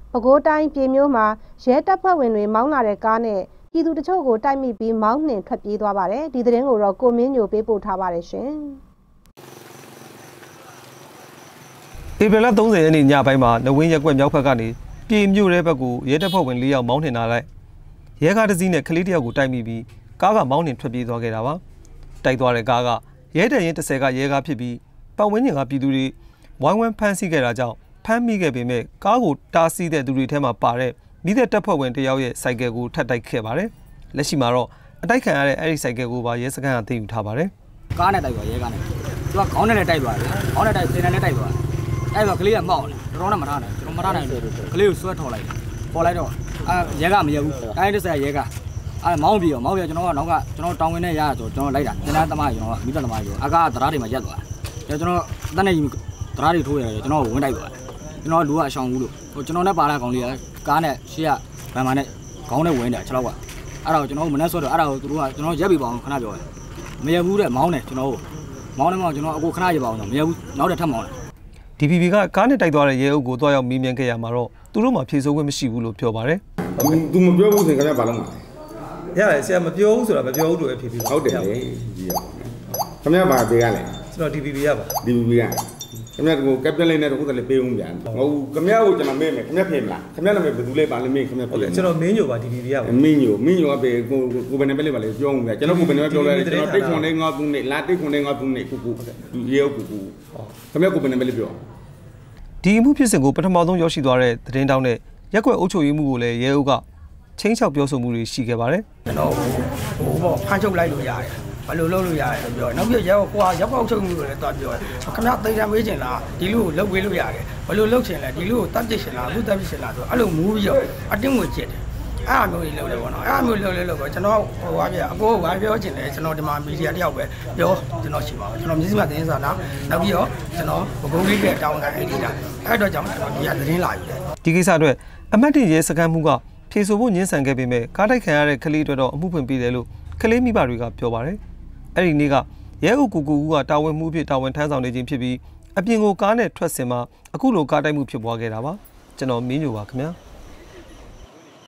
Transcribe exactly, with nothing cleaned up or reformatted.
ပဲခူးတိုင်းပြည်မျိုးမှာရဲတပ်ဖွဲ့ဝင်တွေမောင်းလာတဲ့ကားနဲ့ပြည်သူတချို့ကိုတိုက်မိပြီးမောင်းနှင်ထွက်ပြေးသွားပါတယ်။ဒီသတင်းကိုတော့ကိုမင်းညိုပေးပို့ထားပါတယ်ရှင်။ဧပြီလသုံးဆယ်ရက်နေ့ညပိုင်းမှာနဝင်းရက်ကွက်မြောက်ဘက်ကနေပြည်မျိုးရဲဘက်ကိုရဲတပ်ဖွဲ့ဝင်၄ယောက်မောင်းနှင်လာလိုက်ရဲကားတစ်စီးနဲ့ကလေးတစ်ယောက်ကိုတိုက်မိပြီးကားကမောင်းနှင်ထွက်ပြေးသွားခဲ့တာပါ။တိုက်သွားတဲ့ကားကရဲတပ်ရင်းတစ်ဆယ်ကရဲကားဖြစ်ပြီးပတ်ဝန်းကျင်ကပြည်သူတွေဝိုင်းဝန်းဖမ်းဆီးခဲ့တာကြောင့်ဖမ်းမိခဲ့ပေမဲ့ကားကိုတားဆီးတဲ့သူတွေထဲမှာပါတဲ့မိသက်တပ်ဖွဲ့ဝင်တယောက်ရဲ့စိုက်ကယ်ကိုထပ်တိုက်ခဲ့ပါတယ်။လက်ရှိမှာတော့အတိုက်ခံရတဲ့အဲ့ဒီစိုက်ကယ်ကိုပါရဲစခန်းကသိမ်းယူထားပါတယ်။ကားနဲ့တိုက်သွားရဲကားနဲ့သူကခေါင်းနဲ့လည်းတိုက်သွားတယ်။ခေါင်းနဲ့တိုက်စင်နဲ့လည်းတိုက်သွားတယ်။အဲ့တော့ကလေးကမောက်တယ်။တော်တော်နဲ့မထားနိုင်ဘူး။ကျွန်တော်မထားနိုင်ဘူး။ကလေးကိုဆွဲထော်လိုက်တယ်။ပေါ်လိုက်တော့အဲရဲကမရဘူး။တိုင်းတစ်ဆက်ရဲကအဲမောင်းပြီးတော့မောင်းပြီးကျွန်တော်ကနောက်ကကျွန်တော်တောင်းဝင်နဲ့ရရဆိုကျွန်တော်လိုက်တာ။တင်တဲ့သမားကျွန်တော်ကမိသက်သမားပြောအကားတရားတွေမှာရက်သွားတယ်။ကျွန်တော်အသက်နဲ့တရားတွေထိုးရတယ်ကျွန်တော်ဝင်တိုက်သွားတယ်။ကျွန်တော်လူကအရှောင်ဘူးလို့ဟိုကျွန်တော်နဲ့ပါလာကောင်လေးကကားနဲ့ရှေ့ကဗန်မာနဲ့ခေါင်းနဲ့ဝင်တယ်6လောက်ကအဲ့ဒါကိုကျွန်တော်မနှက်ဆွဲတော့အဲ့ဒါကိုသူတို့ကကျွန်တော်ရက်ပြီးပါအောင်ခဏပြောတယ်မရဘူးတဲ့မောင်းတယ်ကျွန်တော်မောင်းတယ်မောင်းကျွန်တော်အခုခဏရပါအောင်တော့မရဘူးနောက်တစ်ထပ်မောင်းတယ်ဒီ ပီ ပီ ကကားနဲ့တိုက်သွားတဲ့ရဲအုပ်ကိုတွားရောက်မေးမြန်းခဲ့ရမှာတော့သူတို့မှဖြေဆိုခွင့်မရှိဘူးလို့ပြောပါတယ်။ तू မပြောဘူးဆိုရင်ခင်ဗျာဘာလုပ်မှာလဲ။ရတယ်ဆရာမပြောဘူးဆိုတာမပြောဘူးလို့ဖြေပြီးဟုတ်တယ်လေကြီးရ။ခင်ဗျာဘာပေးရလဲ။ကျွန်တော် ဒီ ပီ ပီ ရပါ။ ဒီ ပီ ပီ ကခင်ဗျာကိုကပ်ပြလိုက်နဲ့တော့ဟုတ်တယ်ပေးဦးပြန်။ဟုတ်ခင်ဗျာကိုကျွန်တော်မေးမယ်ခင်ဗျာဖြေမလား။ခင်ဗျာနာမည်ဘယ်သူလဲပါလဲမေးခင်ဗျာဖြေ။ကျွန်တော်မင်းညိုပါ ဒီ ပီ ပီ ရပါ။မင်းညိုမင်းညိုကပဲကိုကိုဘယ်နဲ့ပဲလေးပါလေပြောဦးပြန်။ကျွန်တော်ကိုဘယ်နဲ့ပဲပြောလဲကျွန်တော်တိတ်ခွန်လေးငါသူနဲ့လာတိတ်ခွန်လေးငါသူနဲ့ကိုကိုဒီရဲကိုကိုခင်ဗျာကိုဘယ်နဲ့ပဲလေးပြောဒီအမှုဖြစ်စဉ်ကိုပထမဆုံးရောက်ရှိသွားတဲ့သတင်းတောင်းနဲ့ရက်ကွက်အုပ်ချုပ်ရေးမှုကိုလည်းရဲအုပ်ကချင်းချောက်ပြောဆိုမှုတွေရှိခဲ့ပါတယ်ကျွန်တော်ဟိုပေါ့ဖမ်းချုပ်လိုက်လို့ရတယ်ဘယ်လိုလုပ်လို့ရတယ်လို့ပြောနောက်ပြရဲကွာရက်ကွက်အုပ်ချုပ်မှုကိုလည်းတွားပြောတယ်ခင်ဗျာသိမ်းရမေးချင်လားဒီလူကိုလုပ်ပေးလို့ရတယ်ဘယ်လိုလုပ်ချင်လဲဒီလူကိုတတ်ပြစ်ချင်လားအခုတတ်ပြစ်ချင်လားဆိုအဲ့လိုမူးပြီးတော့အတင်းငွေကျစ်တယ်အဲ့အမျိုးကြီးလုပ်တယ်ပေါ့နော်အဲ့အမျိုးလုပ်လဲလုပ်တော့ကျွန်တော်ဟိုဘာပြအကိုကဘာပြောချင်လဲကျွန်တော်ဒီမှာမီဒီယာတယောက်ပဲပြောကျွန်တော်ရှိပါဘူးကျွန်တော်မြစည်းမသတင်းစာနာနောက်ပြီးတော့ကျွန်တော်ဘကုန်းလေးတဲ့တောင်းတာအဲ့ဒီလားအဲ့တော့ကြောင့်ကျွန်တော်ဒီကသတင်းလာယူတယ်ဒီကိစ္စအတွက်အမတ်တင်ရဲစခန်းမှုကဖြေဆိုဖို့ညှင်းဆန်ခဲ့ပေမဲ့ကားတိုက်ခံရတဲ့ကလေးတွေတော့အမှုဖွင့်ပေးတယ်လို့ကလေးမိဘတွေကပြောပါတယ်အဲ့ဒီနေ့ကရဲအုပ်ကူကူကတာဝန်မှုဖြစ်တာဝန်ထမ်းဆောင်နေခြင်းဖြစ်ပြီးအပြင်ကိုကားနဲ့ထွက်စင်မှာအခုလိုကားတိုက်မှုဖြစ်ပွားခဲ့တာပါကျွန်တော်မင်းညိုပါခင်ဗျာ